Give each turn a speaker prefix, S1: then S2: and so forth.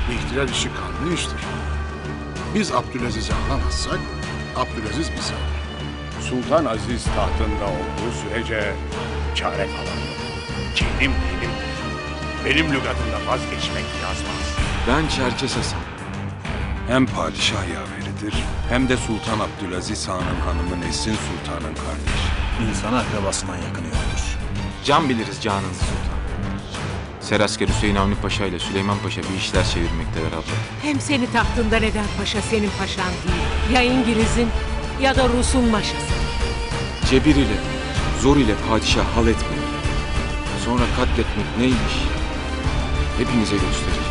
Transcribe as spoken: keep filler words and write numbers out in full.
S1: İhtilal işi kanlı iştir. Biz Abdülaziz'i alamazsak, Abdülaziz bizi alır.
S2: Sultan Aziz tahtında olduğu sürece çare kalan yok. Kinim benim. Benim lügatımda vazgeçmek yazmaz.
S3: Ben Çerkes Hasan. Hem padişah yaveridir hem de Sultan Abdülaziz Han'ın hanımı Nesrin Sultan'ın kardeşi.
S4: İnsan akrabasından yakını yoktur.
S5: Can biliriz canınızı sultan. Serasker Hüseyin Avni Paşa ile Süleyman Paşa bir işler çevirmekteler abla.
S6: Hem seni tahtından eden paşa senin paşan değil. Ya İngiliz'in ya da Rus'un maşası.
S3: Cebir ile, zor ile padişah hal etmeyin. Sonra katletmek neymiş? Hepinize göstereceğim.